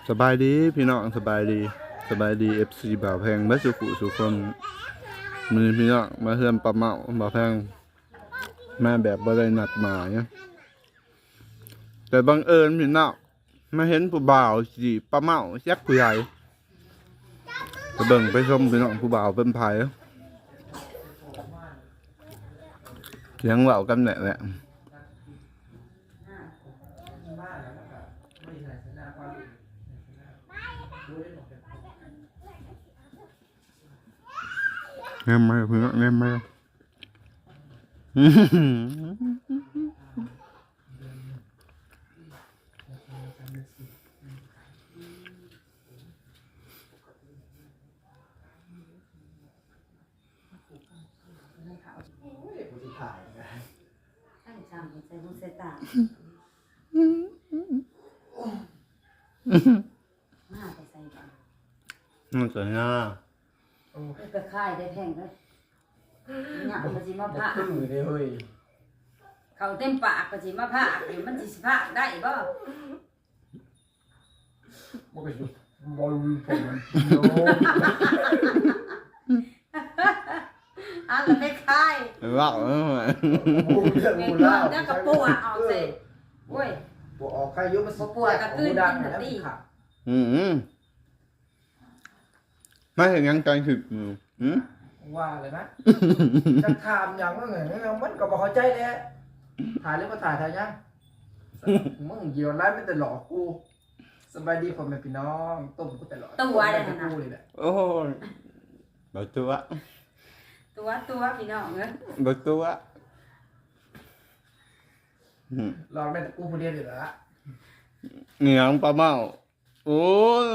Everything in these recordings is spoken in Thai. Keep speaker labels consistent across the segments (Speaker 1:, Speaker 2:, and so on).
Speaker 1: สบายดีพี่น้องสบายดีFC บ่าวแพงมาสุขุสุคนมือพี่น้องมาเฮือนปลาเมาบ่าวแพงมาแบบบ่ได้นัดหมายแต่บังเอิญพี่น้องมาเห็นผู้บ่าวสิปลาเมายักผู้ใหญ่ไปเบิ่งไปชมพี่น้องผู้บ่าวเป็นไผเลี้ยงเว้ากันแหละแง่ไหมเพื่อนแง่ไหมมันสวยงาม
Speaker 2: ไปค่ายได้แพงเลยเนี่ยมันสิมาผ่าเขาเต็มปากก็สิมาผ่าเดี๋ยวมันสิผ่าได้บ่
Speaker 3: มันก็อยู่บอลผม
Speaker 2: อันละไม่ค่าย
Speaker 1: ว้าว
Speaker 2: เงี้ยแล้วก็ปวดออกสิโอ้ย
Speaker 3: ปวดออกใครยุ่งมัน
Speaker 2: ปวดกระตุ้นกินแบบนี้
Speaker 1: ไม่เห็นยังใจถึก
Speaker 3: ว่าเลยนะจะถามอย่างว่าไงมันก็บอกเข้าใจเลยถ่ายหรือมาถ่ายยังมึงเกี่ยวร้ายไม่แต่หลอกกูสบายดีผมเป็นพี่น้องต้มกูแต่หลอก
Speaker 2: ตัวอะไรนะ
Speaker 1: โอ้ยตัว
Speaker 2: พี่น้องเ
Speaker 1: อ้ยตัว
Speaker 3: ลองได้แต่กูคนเดียวอยู่แล้ว
Speaker 1: เหนียงปลาเมาโอ้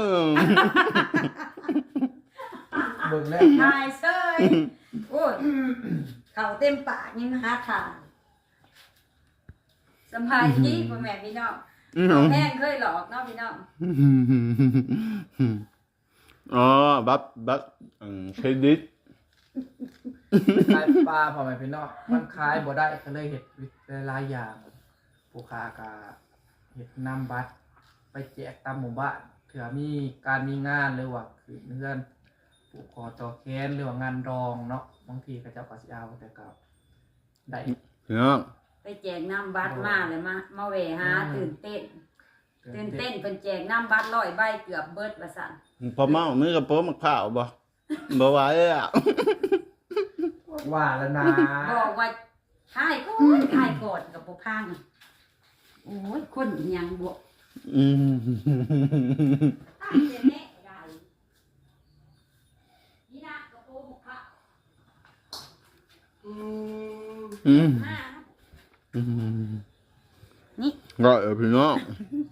Speaker 3: เบิ่งแล้ว
Speaker 2: ทายเซยโอ้ยเขาเต็มปากยังหาทางสบายดีพ่อแม่พี่น้องแพงเคยหลอกเนาะพี่น้อง
Speaker 1: อ๋อบัฟเครดิต
Speaker 3: ขายปลาพ่อแม่พี่น้องมันขายบ่ได้ก็เลยเห็ดหลายอย่างผู้ค้ากาเห็ดนำบัตรไปแจกตามหมู่บ้านเผื่อมีการมีงานหรือว่าคือเพื่อนผูกคอต่อแขนหรือว่างานรองเนาะบางทีก็จะปัสยาวแต่ก็ได้
Speaker 2: ไปแจกน้ำบัตรมาเลยมาเวหาตื่นเต้นเป็นแจกน้ำบัตร100 ใบเกือบเบิดว่าสั่น
Speaker 1: พอเมามือกับโป๊มะพร้าวบ่ไหวอ่ะ
Speaker 3: ว่าแล้วนะ
Speaker 2: บอกว่าถ่ายก่อนกับบ่พังโอ้ยคนยังบวกนี่
Speaker 1: ก็พี่น้อง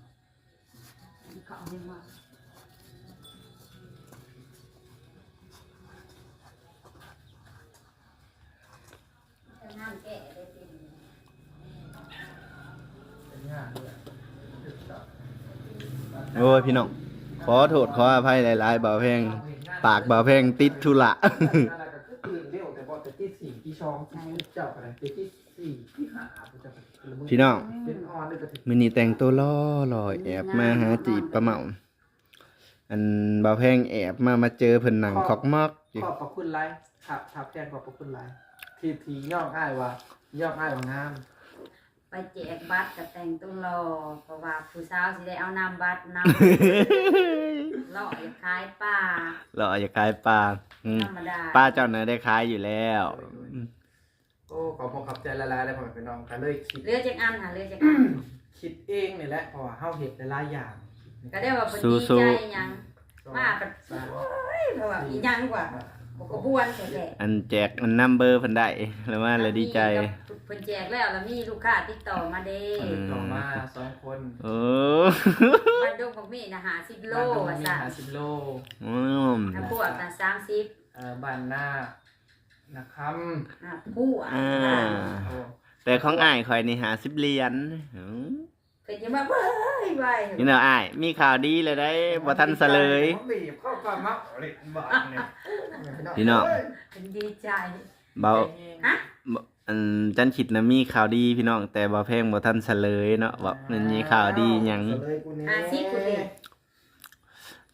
Speaker 1: โอ้ยพี่น้องขอโทษขออภัยหลายๆบ่าวแพงปากบ่าวแพงติดธุระพี่น้องมื้อนี้แต่งตัวล่อแอบมาหาจีบปลาเมาอันบ่าวแพงแอบมาเจอเพิ่นหนังคอกมอก
Speaker 3: ขอบคุณไลฟ์ทับแทนขอบคุณไลฟ์ทีย่องอ้ายว่างาม
Speaker 2: ไปแจกบัตรกับแต่งตัวรอเพราะว่าผู้สาวสิได้เอานำบัตรนำล่ออย่าขายปลาธรรมดา
Speaker 1: ป้าเจ้าเนื้อได้ขายอยู่แล้ว
Speaker 3: โอ้ขอบใจละลายเลยผมเป็นน้องกันเลยคิด
Speaker 2: เลือกจากอันค่ะเลือกจากอัน
Speaker 3: คิดเองนี่แหละเพราะว่าเฮาเห็ดหลายอย่าง
Speaker 2: ก็ได้ว่าดีใจยังมากกันเพราะว่าอีหยังกว่าก็บ้วนแท้
Speaker 1: อันแจกอันนัมเบอร์เพิ่นได้แล้วว่าเลยดีใจ
Speaker 2: เพิ่นแจกแล้วมีลูกค้าติดต่อมาเด้
Speaker 3: ต่อมา2 คน
Speaker 2: บ้านดงของมีนะ50 โลว่าซั่น
Speaker 3: 50 โล
Speaker 2: ถ้าพวกน่ะ30
Speaker 3: บ้านหน้านะครับ
Speaker 2: ผู้
Speaker 1: แต่ของอ้ายข่อยนี่50 เหรียญ
Speaker 2: เพิ่นจะมาเว้ย
Speaker 1: นี่เนาะอ้ายมีข่าวดีเลยได้บ่ทันซะเลยพี่น้อง
Speaker 2: ดีใจ
Speaker 1: เบาอันจันคิดนะมีข่าวดีพี่น้องแต่บ่แพงบ่ทันซะเลยเนาะว่ามันมีข่าวดีหยัง
Speaker 2: 50 พุ่นเด้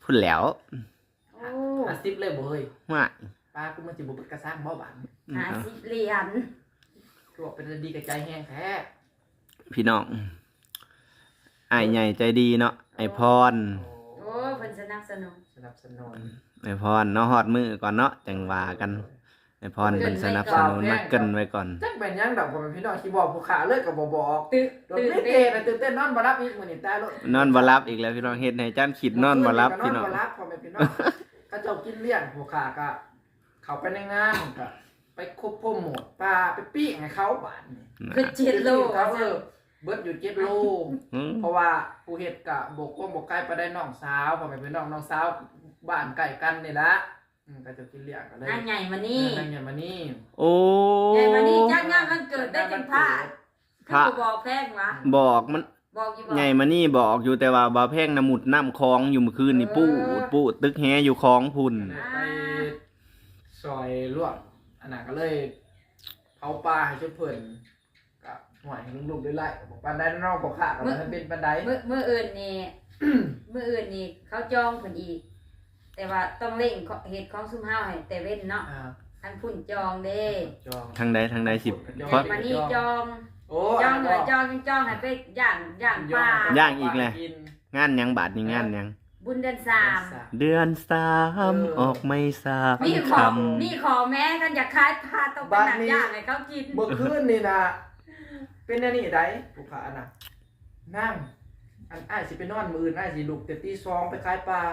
Speaker 1: พุ่นแหล้ว
Speaker 2: โอ้
Speaker 3: 50เลยบ่เฮ้ย
Speaker 1: ว่า
Speaker 3: ป้ากูมันสิบ่กระซังบ่บาน
Speaker 2: 50เหรียญ
Speaker 3: คือว่าเป็นดีกับใจแห้งแท้
Speaker 1: พี่น้องอ้ายใหญ่ใจดีเนาะไอพร
Speaker 2: โอ้เพิ่นสนับสนุน
Speaker 3: สนับสนุน
Speaker 1: ไอพรเนาะฮอดมือก่อนเนาะจังว่ากันไอพรเป็นสนับสนุนมาเกินไว้ก่อน
Speaker 3: จักเป็นหยังดอกบ่เป็นพี่น้องสิบอกผู้ขาเลยก็บ่บอก
Speaker 2: ตื่
Speaker 3: โดน
Speaker 2: น
Speaker 3: ไม่
Speaker 2: เต้
Speaker 3: เต้
Speaker 2: น
Speaker 3: นะตื่นเต้นนอนบ่รับอีกมื้อนี้ตายแล้ว
Speaker 1: นอนบ่รับอีกแล้วพี่น้องเฮ็ดให้จ้านขิดนอนบ่รับพี่น้อง
Speaker 3: นอนบ่รับพ่อแม่พี่น้องเขาเจ้ากินเลี้ยงผู้ขาก็เข้าไปในงานก็ไปควบคุมหมดปลาไปปิ้งให้เขาบาดนี่
Speaker 2: คือ7โล
Speaker 3: เขาเบิดอยู่7โล
Speaker 1: อืม
Speaker 3: เพราะว่าผู้เฮ็ดกะบกว่าบกใกล้ไปได้น้องสาวพ่อแม่พี่น้องสาวบ้านใกล้กันนี่ละก็จะกินเลี้ยงก็ได้
Speaker 2: นางใหญ่มานี่
Speaker 3: นั่งอย่างมานี่
Speaker 1: โอ้
Speaker 2: ใหญ่มานี่จัดงานวันเกิดได้จังพลาดคือบอกแพงวะ
Speaker 1: บอกมัน
Speaker 2: บอกอยู่บ่
Speaker 1: ใหญ่มานี่บอกอยู่แต่ว่าบ่าวแพงน้ำหมุดน้ำคลองอยู่เมื่อคืนนี่ปูดตึกแฮอยู่คลองพุ่น
Speaker 3: ไปซอยลวกอันนั้นก็เลยเผาปลาให้ชุดเพิ่นกับหวยให้ลุงๆได้ไล่บอกปานใดน้องบอกขาก็มันเป็นปานใด
Speaker 2: มื้ออื่นนี่ มื้ออื่นนี่เขาจองเพิ่นอีก แต่ว่าต้องเร่งเฮ็ดของซุมเฮาให้แต่เว้นเนาะอันพุ่นจองเด้
Speaker 3: จอง
Speaker 1: ทางใดสิบ
Speaker 2: ใหญ่มานี่จอง
Speaker 3: โอ้
Speaker 2: จองเลยจองให้ไปย่างปลา
Speaker 1: ย่างอีกเลยงานหยังบาดนี่งานหยัง
Speaker 2: บุญเดือน3
Speaker 1: เดือน3ออกไม่ทราบ
Speaker 2: นี่ข
Speaker 1: ค
Speaker 2: อนี่ขอแม้กันอยากขายปลาต้องเป็นหนังย่างให้เขากิน
Speaker 3: เมื่อคืนนี่นะเป็นอันนี้ได้ผู้ขาน่ะนั่งอันอ้ายสิไปนอนมื้ออื่นอ้ายสิลุกแต่ตี 2ไปขายปลา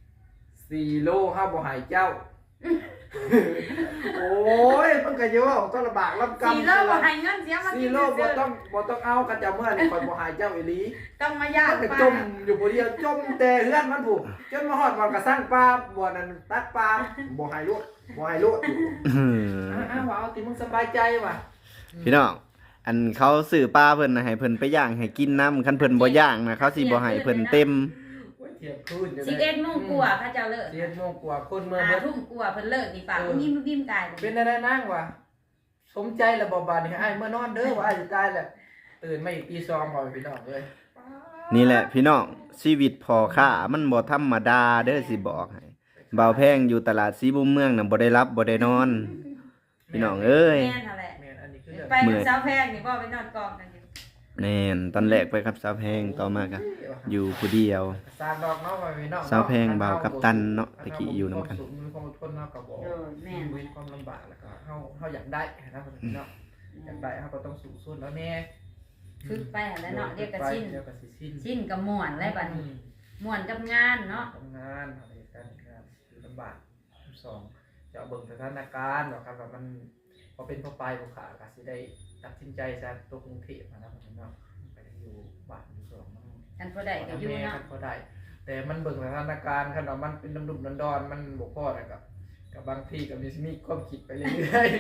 Speaker 3: 4โลข้าวบ่หายเจ้า โอ้ยมันก็เยอะต้องลำบากลำกำ
Speaker 2: 4 โลบ่ให้เงินเสียมากิน
Speaker 3: 4โลบ่ต้องเอากันจะเมื่อนี่คอยบ่หายเจ้าอีหลี
Speaker 2: ต้องมาย่าง
Speaker 3: มันก็
Speaker 2: ปลา
Speaker 3: จมอยู่บ่เดียวจมแต่เฮือนมันผูกจนมาฮอดวันก็สร้างปลาบ่นั่นตักปลาบ่หายลูกอยู่อ้าวเอาติมึงสบายใจว่ะ
Speaker 1: พี่น้องอันเขาซื้อปลาเพิ่นน่ะให้เพิ่นไปย่างให้กินน้ำคันเพิ่นบ่ย่างนะเขาสิบ่ให้เพิ่นเต็ม
Speaker 3: เที่ยงคืน
Speaker 2: 11 โมงกว่าเขาเจ้าเลิก
Speaker 3: 11 โมงกว่าคนเมือง
Speaker 2: 5 ทุ่มกว่าเพิ่นเลิกนี่ป่ะยิ้มยิ้มตาย
Speaker 3: เป็นอะไรนั่งว่ะสมใจแล้วบ่บาดนี่อ้ายเมื่อนอนเด้อว่าอ้ายสิตายแล้วตื่นมาอีกตี2บ่พี่น้องเอ้ย
Speaker 1: นี่แหละพี่น้องชีวิตพ่อค้ามันบ่ธรรมดาเด้อสิบอกให้บ่าวแพงอยู่ตลาดสีบุมเมืองน่ะบ่ได้รับบ่ได้นอน พี่น้องเอ้ย
Speaker 2: แม่นนั่นแหละ
Speaker 3: แม่นอันนี้คือ
Speaker 2: ไปกับสาวแพงนี่บ่ไปนอนกองกันอยู่
Speaker 1: แน่นตอนแรกไปกับสาวแพงต่อมาก็อยู่ผู้เดียว
Speaker 3: สร้างดอกเนาะว่าพี่น้อง
Speaker 1: สาวแพงบ่าวกัปตันเนาะตะกี้อยู่นำกัน
Speaker 3: มีความอดทนเนาะก็บ่
Speaker 2: แม่น
Speaker 3: มีความลำบากแล้วก็เฮาอยากได้นะพี่น้องอยากได้เฮาก็ต้องสู้สุดแล้วแน่
Speaker 2: ฝึกไปหั่นแหล้วเนาะเรียกก็ชิ้น
Speaker 3: เดี๋ยวก็สิสิ้น
Speaker 2: ชิ้นก็ม่วนแล้วบัดนี้ม่วนกับงานเนาะ
Speaker 3: ทำงานอะไรกันงานคือลำบากสองจะเบิ่งสถานการณ์ว่าครับว่ามันพอเป็นพอไปผู้ขาก็สิได้ตัดสินใจซะตัวกรุงเทพนะครับพี่น้องไปอยู่บ้านอยู่สองมัน
Speaker 2: อันพอได้ก็อยู่เนาะ
Speaker 3: ก็ได้ แต่มันเบิ่งสถานการณ์คันว่ามันเป็นดุมๆดอนๆมันบ่พอแล้วกับบางทีก็มีความคิดไปเรื่อย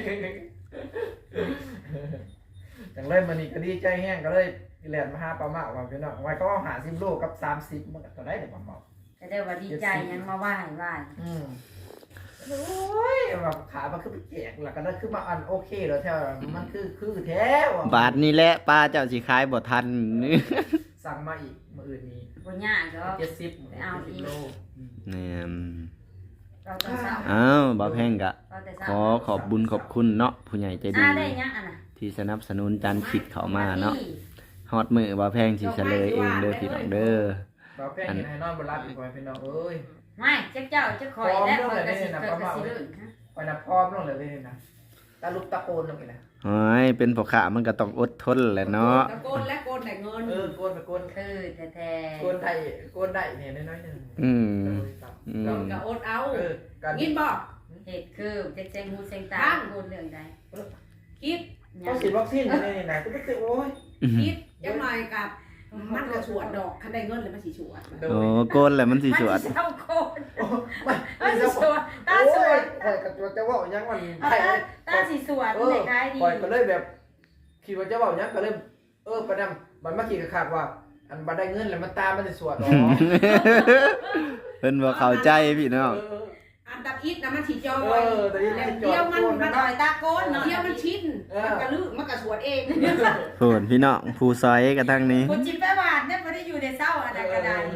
Speaker 3: ๆจังเลยมันนี่ก็ดีใจแห้งก็เลยแล่นมาหาปลาเมาว่าพี่น้องไว้ก็หา10โลกับ30มันก็ตัวได้เด้อปลาเมา
Speaker 2: ก็ได้ว่าดีใจยังมาไหว้
Speaker 3: โอ้ยแบบขามันคือไปแจกแล้วก็นั่นคือมาอันโอเคแล้วแท้มันคือแท้ว่ะ
Speaker 1: บาทนี้แหละป้าเจ้าสิขายบ่ทัน
Speaker 3: สั่งมาอีกมื้ออื่นนี้
Speaker 2: บ่ยากดอก
Speaker 3: 70
Speaker 2: เอาอีก
Speaker 3: โล
Speaker 1: แน่น
Speaker 2: เราต้องเศร้า
Speaker 1: อ้าวบ่าวแพงก็
Speaker 2: เราแต่
Speaker 1: ข
Speaker 2: เศร้า
Speaker 1: อขอบบุญขอบคุณเนาะผู้ใหญ่ใจดี
Speaker 2: ได้ยังอันน่ะ
Speaker 1: ที่สนับสนุนจานขิดเข้ามาเนาะฮอดมือบ่าวแพงสิเฉลยเองเด้อพี่น้องเด้อ
Speaker 3: บ่แพงให้นอนบ่หลับอีกว่าพี่น้องเอ้ย
Speaker 2: ไม่เจ้าจะคอยและคอยก็สิเกิดก็สิลื่นฮะ
Speaker 3: ไปนะพร้อมลงเลยนะตาลุกตะโกนลงอีกนะ
Speaker 1: โอ้ยเป็นพ่อค้ามันก็ต้องอดทนแหละเนาะ
Speaker 4: ตะโกนและโกนแต่เงิน
Speaker 3: โกนไปโกน
Speaker 2: คือแท้
Speaker 3: โกนได้เนี่ยน้อยๆนึง
Speaker 1: อืม
Speaker 4: กับโอนเอา
Speaker 3: การ
Speaker 4: กินบอก
Speaker 2: ๆเหตุคือเจ๊งหูเซ็งตาพูดเรื่องใด
Speaker 4: คิด
Speaker 3: ต้องฉีดวัคซีนนี่นะก็ไม่โอ้ย
Speaker 4: คิดยังหน่อยกับมันกระสวดดอกคันได้เงินเลยมันสีสวด
Speaker 1: โอ้โกนแหละมันสิสวด
Speaker 2: มันเศร้าโคตร
Speaker 3: ไม่
Speaker 2: มันสิสวดตาสวด
Speaker 3: คอยกับตัวจะว่ายังมัน
Speaker 2: ตาสิสวดเด็กได้ดี
Speaker 3: คอยก็เลยแบบคิดว่าจะว่ายังก็เลยประดำมันมาคิดขาดว่า อันบัได้เงินแล้วมันตามันจะสวดอ๋อ
Speaker 1: เพิ่นบ่เข้าใจพี่น้อง
Speaker 4: อันตะอิดนะมันสีจอย
Speaker 3: แต่นี่
Speaker 4: เดียวมัน
Speaker 2: ต่อยตาโกนเนาะ
Speaker 4: เดียวมันชินมันกระลือมันกระสวดเอง
Speaker 1: โหนพี่น้องผู้ซอยกันทั้งนี้
Speaker 2: คนจิตแปรบาดเนี่ยไม่ได้อยู่ในเศร้าอะไรก็ได้พี่น้อง
Speaker 4: ส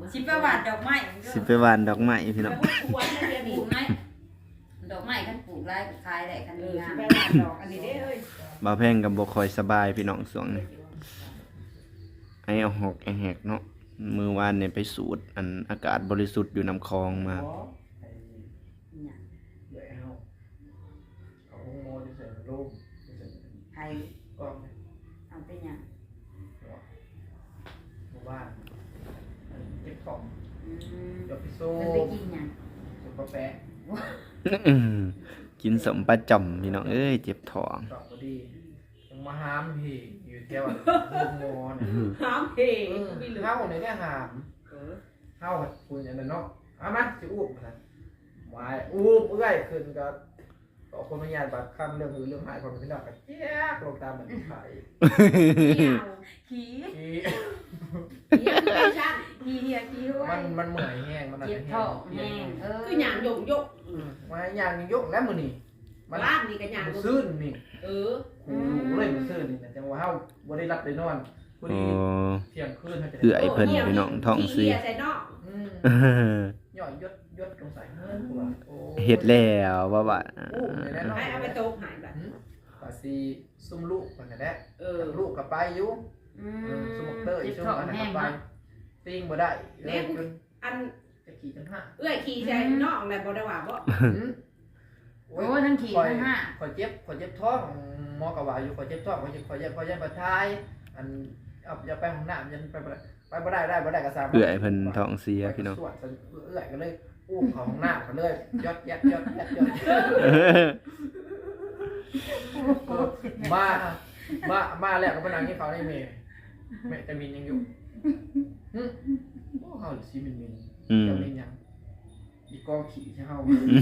Speaker 2: สิไปหวานดอกไม้
Speaker 1: สิไปหวานดอกไม้พี่น้อง
Speaker 4: ชวนนะเดี๋ยว
Speaker 2: ป
Speaker 4: นี้
Speaker 2: ลูกไหมดอกไม้คันปลูกไร่ขายได้คัน
Speaker 4: เอ
Speaker 2: ดี
Speaker 4: อง
Speaker 2: าม
Speaker 4: ไปหวานดอกอันนี้เด้เอ้ย
Speaker 1: บ่าวแพงกับบ่ค่อยสบายพี่น้องช่วงนี้ไอ้เอาหอกไอ้แหกเนาะมื้อวานเนี่ยไปสูดอันอากาศบริสุทธิ์อยู่น้ำคลองมา
Speaker 2: เนี่ย
Speaker 3: เดี๋ยวเอาห้องโมจะใส่รูปจะใส่
Speaker 2: ใคร
Speaker 3: กล้อง
Speaker 2: เอาไปหยัง
Speaker 3: หมู่บ้านเก็บของ
Speaker 2: อืม
Speaker 3: เดี๋ยวไปสู้
Speaker 2: มันไปกินหยัง
Speaker 3: สุกาแฟ
Speaker 1: กินสมประจอมพี่น้องเอ้ยเจ็บท้อง
Speaker 3: กลับพอดียังมาหามพี่อยู่เที่ยวห้องโมเนี่ย
Speaker 4: ห้ามเพงมีเหลือ
Speaker 3: เฮาเนี่ยเนี่ยหามเฮาคุณอย่างนั้นเนาะเอามาสิอูบนะวายอูบเอื้อยขึ้นก็ต่อคนมาญาติบัดคำเรื่องมือเรื่องหายความเป็นพี่น้องก็แจ๊กลงตามเหมือนไข่
Speaker 2: ขี้
Speaker 3: ที่
Speaker 4: ไม่ใช่
Speaker 2: ขี้เหี้ยขี้ห้วย
Speaker 3: มันเหมื่อยแห้งมัน
Speaker 2: เจ็บท้องแห้งเออ
Speaker 4: คือหยางยก
Speaker 3: มาอย่างยกแล้วมือนี่
Speaker 4: บ้านนี่ก็หยาง
Speaker 3: ซื่นนี่
Speaker 4: เออ
Speaker 3: โอ้โหเลยมันซื่นนี่นะจังว่าเฮาบ่ได้รับได้นอนพอ
Speaker 1: โอ้
Speaker 3: ดีเที่ยงคืนเฮาจะ
Speaker 1: เอื้อยเพิ่นพี่น้องท้องเสีย
Speaker 4: ใส่นอก
Speaker 3: ย่อยยศลงใส่เงินกูว่าโอ้
Speaker 1: เฮ็ดแล้วว่าว่า
Speaker 3: อู้แน่นอน
Speaker 4: ให้เอาไปโต๊ะหายแบบ
Speaker 3: ปาซีซุ่มลูกมันแหละ
Speaker 4: เออ
Speaker 3: ลูกก็ไปอยู่
Speaker 2: อื
Speaker 3: ซุ่ม
Speaker 2: ม
Speaker 3: เตอร์
Speaker 2: เจ็บ
Speaker 3: ซุ่ม
Speaker 2: ท้อง
Speaker 3: อันนั้น
Speaker 2: แห้
Speaker 3: ก็
Speaker 2: ง
Speaker 3: ไป
Speaker 2: เนาะ
Speaker 3: ติ้งบ่ได้เลยจน
Speaker 4: อัน
Speaker 3: จะขี่จังห้า
Speaker 4: เอื้อยขี่ใส่นอกแล้วบ่ได้ว่าบ่
Speaker 2: โอ้ทั้งขี่ทั้งห้า
Speaker 3: ข่อยเจ็บท้องหมอก็ว่าอยู่ข่อยเจ็บท้องข่อยยันบ่ทายอันเอาอย่าไปห้องน้ำยันไปบ่ได้ก็สามารถ
Speaker 1: เอื้อยเพิ่นท้องเสียพี่น้อง
Speaker 3: สวดเอื้อยก็เลยอุ้มเขาห้องน้ำก็เลยยอดมาแล้วก็มานั่งที่เขาในเมย์แม่แต่มินยังอยู่โอ้เฮาสิมินจะมินยังอีกองขี่ใช่เฮา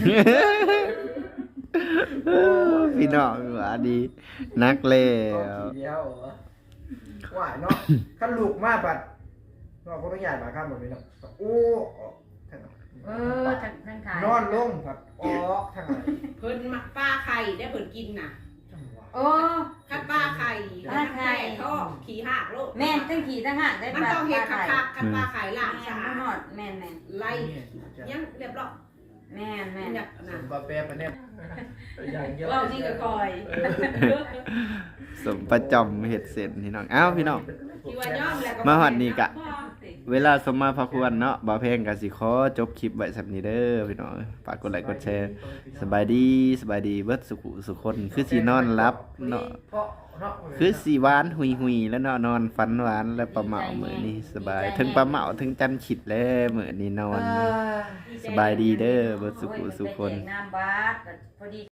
Speaker 1: พี่น้องว่าดีนักแล้
Speaker 3: กอง
Speaker 1: ว
Speaker 3: ขี่เดียวว่าเนาะคันลูกมาบัดเนาะคนต้องใหญ่มาข้ามแบบนี้เนาะโอ้ทาง
Speaker 2: เออทั้งขาย
Speaker 3: นอนลงครับออกทางไหน
Speaker 4: เพิ่นมักป้าไข่ได้เพิ่นกินน่ะ
Speaker 3: จังหวะ
Speaker 2: โอ้
Speaker 4: คัดป้าไข่ท้องขี่หักโลก
Speaker 2: แม่นทั้งขี่ทั้งห้าได้
Speaker 4: มันต้องเฮ็ดคักคัดป้าไข่ล่าง
Speaker 2: แม่
Speaker 4: สะ
Speaker 2: น
Speaker 4: อา
Speaker 2: หอ
Speaker 4: ด
Speaker 2: ดแม่น
Speaker 4: ไล่ยังเรียบร้อย
Speaker 2: แม่น
Speaker 4: อยาก
Speaker 3: ส
Speaker 4: น่ะ
Speaker 3: มกาแฟไปเนี่ยอย่างเยอะ
Speaker 4: เรานี่ก็คอย
Speaker 1: สมประจอมเฮ็ดเสร็จพี่น้องอ้าวพี่น้อง
Speaker 4: ที่ว่าย่อมแล้วก็
Speaker 1: มาฮอดนี่กะ เวลาสมมาพระควรเนาะบ่าวแพงก็สิขอจบคลิปไว้สักนี้เด้อพี่น้องฝากกดไลค์กดแชร์สบายดีเบิดสุขคนคือสินอนหลับเนาะคือสิหวานหุยๆแล้วเนาะนอนฝันหวานแล้วปลาเหมามื้อนี้สบายถึงปลาเหมาถึงจันขิดแล้วมื้อนี้นอน สบายดีเด้อเบิดสุขคน
Speaker 2: ไปแจกน้ำบาสพอดี